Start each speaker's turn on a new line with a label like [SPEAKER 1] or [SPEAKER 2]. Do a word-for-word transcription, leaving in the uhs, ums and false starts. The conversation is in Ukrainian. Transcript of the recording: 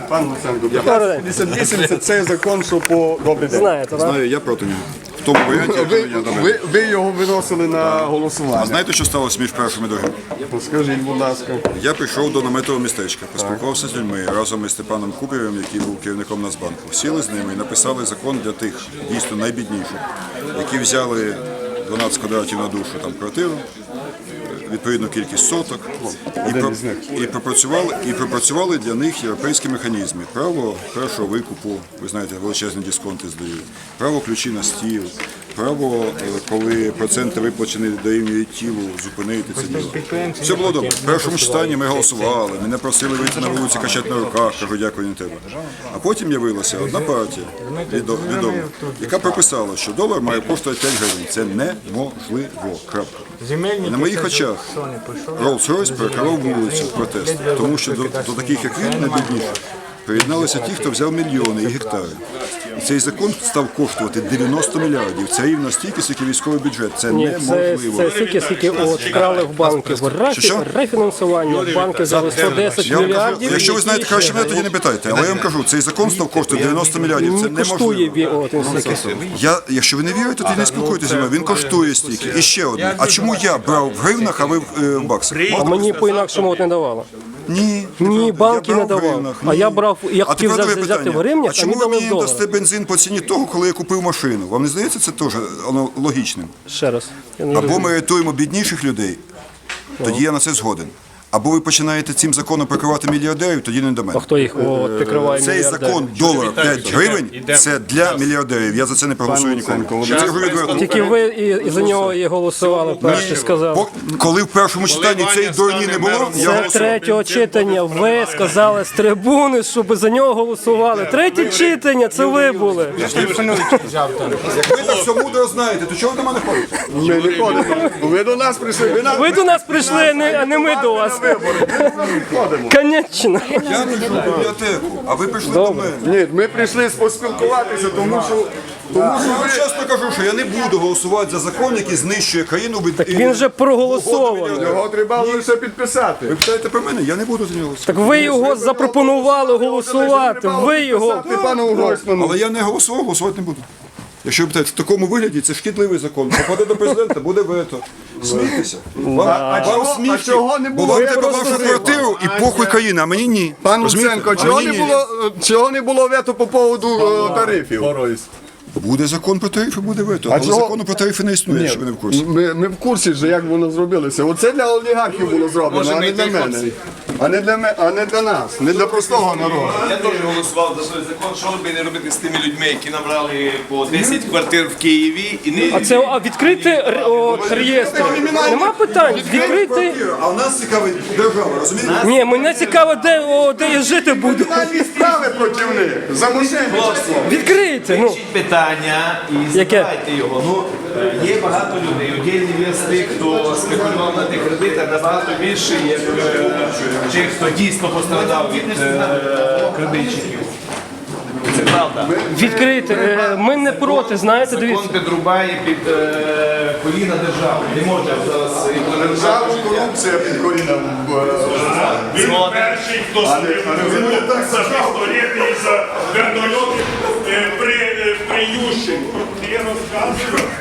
[SPEAKER 1] Пан Луценко, п'ятнадцять п'ятдесят вісім це цей закон, що по добрий день.
[SPEAKER 2] Знаєте, так?
[SPEAKER 3] Знаю, я проти нього. В тому варіанті,
[SPEAKER 1] Ви,
[SPEAKER 3] який я дав.
[SPEAKER 1] ви, ви його виносили на
[SPEAKER 3] А
[SPEAKER 1] голосування.
[SPEAKER 3] знаєте, що сталося між першим і другим?
[SPEAKER 1] Скажіть, будь ласка.
[SPEAKER 3] Я прийшов до наметового містечка, поспілкувався з людьми разом із Степаном Кубєвим, який був керівником Нацбанку. Сіли з ними і написали закон для тих, дійсно найбідніших, які взяли дванадцять квадратів на душу там квартиру, відповідну кількість соток, і, про, і, пропрацювали, і пропрацювали для них європейські механізми. Право першого викупу, ви знаєте, величезні дисконти здають, право ключі на стіл, право, коли проценти виплачені дорівнюють тілу, зупинити це діло. Все було добре. В першому читанні ми голосували, мене просили вийти на вулиці, качати на руках, кажу, дякую, не треба. А потім явилася одна партія, відома, яка прописала, що долар має коштувати п'ять гривень. Це неможливо. Крапка. І на моїх очах Rolls-Royce перекривав вулицю в протест, тому що до, до таких, як він, найбідніших, приєдналися ті, хто взяв мільйони і гектари. І цей закон став коштувати дев'яносто мільярдів. Це рівно стільки, скільки військовий бюджет. Це
[SPEAKER 2] Ні, це,
[SPEAKER 3] неможливо.
[SPEAKER 2] це стільки, скільки от вкрали в банки. В рефі,
[SPEAKER 3] Що?
[SPEAKER 2] рефінансування банки взяли сто десять
[SPEAKER 3] Я вам кажу,
[SPEAKER 2] мільярдів.
[SPEAKER 3] якщо ви знаєте краще мене, тоді не питайте. Але я вам кажу, цей закон став коштувати дев'яносто мільярдів. Це
[SPEAKER 2] Не коштує
[SPEAKER 3] неможливо.
[SPEAKER 2] він от, стільки.
[SPEAKER 3] Я, якщо ви не вірите, тоді не спілкуйтеся зі мною. Він коштує стільки. І ще одне. А чому я брав в гривнах, а ви в, е, в баксах?
[SPEAKER 2] А мені по-інакшому от не давало.
[SPEAKER 3] Ні,
[SPEAKER 2] Ні, банки
[SPEAKER 3] я
[SPEAKER 2] не
[SPEAKER 3] брав в
[SPEAKER 2] давав.
[SPEAKER 3] гривнах,
[SPEAKER 2] А
[SPEAKER 3] ні.
[SPEAKER 2] я брав, я
[SPEAKER 3] А
[SPEAKER 2] хотів
[SPEAKER 3] тепер друге
[SPEAKER 2] взяти
[SPEAKER 3] питання.
[SPEAKER 2] в гривнях,
[SPEAKER 3] а
[SPEAKER 2] а
[SPEAKER 3] чому
[SPEAKER 2] мені
[SPEAKER 3] ви
[SPEAKER 2] дали в
[SPEAKER 3] мені
[SPEAKER 2] доларах.
[SPEAKER 3] дасте бензин по ціні того, коли я купив машину? Вам не здається це теж воно логічним?
[SPEAKER 2] Ще раз. Я не
[SPEAKER 3] Або
[SPEAKER 2] розумію.
[SPEAKER 3] ми рятуємо бідніших людей, тоді я на це згоден. Або ви починаєте цим законом прикривати мільярдерів, тоді не до мене.
[SPEAKER 2] А хто їх от, прикриває
[SPEAKER 3] Цей
[SPEAKER 2] мільярдери?
[SPEAKER 3] закон долар п'ять гривень – це для мільярдерів. Я за це не проголосую ніколи. Я це говорю відверто.
[SPEAKER 2] Тільки ви і, і за нього і голосували, перші сказали.
[SPEAKER 3] По- Коли в першому читанні цієї дурні не було, я
[SPEAKER 2] Це
[SPEAKER 3] голосував.
[SPEAKER 2] третього читання. Ви сказали з трибуни, щоб за нього голосували. Третє читання, це ви були.
[SPEAKER 3] Як ви так все мудро знаєте, то чого ви до мене ходите?
[SPEAKER 1] Ми не ходимо. Ви до нас прийшли. Ви нас
[SPEAKER 2] Ви до нас прийшли, а не, а не ми до вас.
[SPEAKER 1] ходимо.
[SPEAKER 2] Конечно.
[SPEAKER 3] Я прийшов в бібліотеку, а ви прийшли до мене.
[SPEAKER 1] Ні, ми прийшли поспілкуватися, тому що... Тому що
[SPEAKER 3] Я вам чесно кажу, що я не буду голосувати за закон, який знищує країну.
[SPEAKER 2] Так він же проголосований.
[SPEAKER 1] його треба лише підписати.
[SPEAKER 3] Ви питаєте про мене, я не буду за нього голосувати.
[SPEAKER 2] Так ви його запропонували голосувати. Ви його.
[SPEAKER 1] Пану Гройсману.
[SPEAKER 3] Але я не голосував, голосувати не буду. Якщо ви питаєте, в такому вигляді це шкідливий закон. Попаде до президента, буде вето. Смійтеся. Вам,
[SPEAKER 1] А чого-
[SPEAKER 3] вам смішки,
[SPEAKER 1] а чого не
[SPEAKER 3] бо
[SPEAKER 1] було
[SPEAKER 3] вам
[SPEAKER 1] вето
[SPEAKER 3] треба
[SPEAKER 1] до
[SPEAKER 3] вашу
[SPEAKER 1] Києва?
[SPEAKER 3] квартиру і похуй країна, а мені ні.
[SPEAKER 1] Пан
[SPEAKER 3] Розумієте?
[SPEAKER 1] Луценко,
[SPEAKER 3] А
[SPEAKER 1] чого
[SPEAKER 3] мені
[SPEAKER 1] не
[SPEAKER 3] ні.
[SPEAKER 1] було, чого не було вето по поводу е, тарифів?
[SPEAKER 3] Буде закон про тарифи, буде вето. Але
[SPEAKER 1] чого-
[SPEAKER 3] закону про тарифи не існує, якщо ви не в курсі.
[SPEAKER 1] Ми, ми в курсі ж, як воно зробилося. Оце для олігархів було зроблено, а не для мене. А не для, ме- а не для нас, не для простого народу.
[SPEAKER 4] Я теж голосував за той закон, що би не робити з тими людьми, які набрали по десять квартир в Києві і не
[SPEAKER 2] А це а відкрити р- от, реєстр. Нема питань. Відкрити.
[SPEAKER 3] А у нас цікавить держава, розумієте?
[SPEAKER 2] Ні, мене цікаво, де, о, де я жити буду.
[SPEAKER 1] Кримінальні справи проти них за мошенничество.
[SPEAKER 2] Відкрийте. Ну.
[SPEAKER 4] Вирішіть питання і
[SPEAKER 2] Яке?
[SPEAKER 4] задавайте його. Ну, е, є багато людей, удільні з тих, хто спекулював на тих кредитах, набагато більше, як е, тих, хто дійсно пострадав від е, кредитчиків. Це правда.
[SPEAKER 2] Відкрити. Е, Ми не проти, знаєте, дивіться.
[SPEAKER 4] Закон підрубає під е, коліна держави. Не може зараз імплементувати
[SPEAKER 1] Державу
[SPEAKER 4] життя.
[SPEAKER 1] корупція під коліном. е,
[SPEAKER 5] Він перший, хто звернувся пістолети із вертольотів е, при, е, при Ющенку. Я розказую,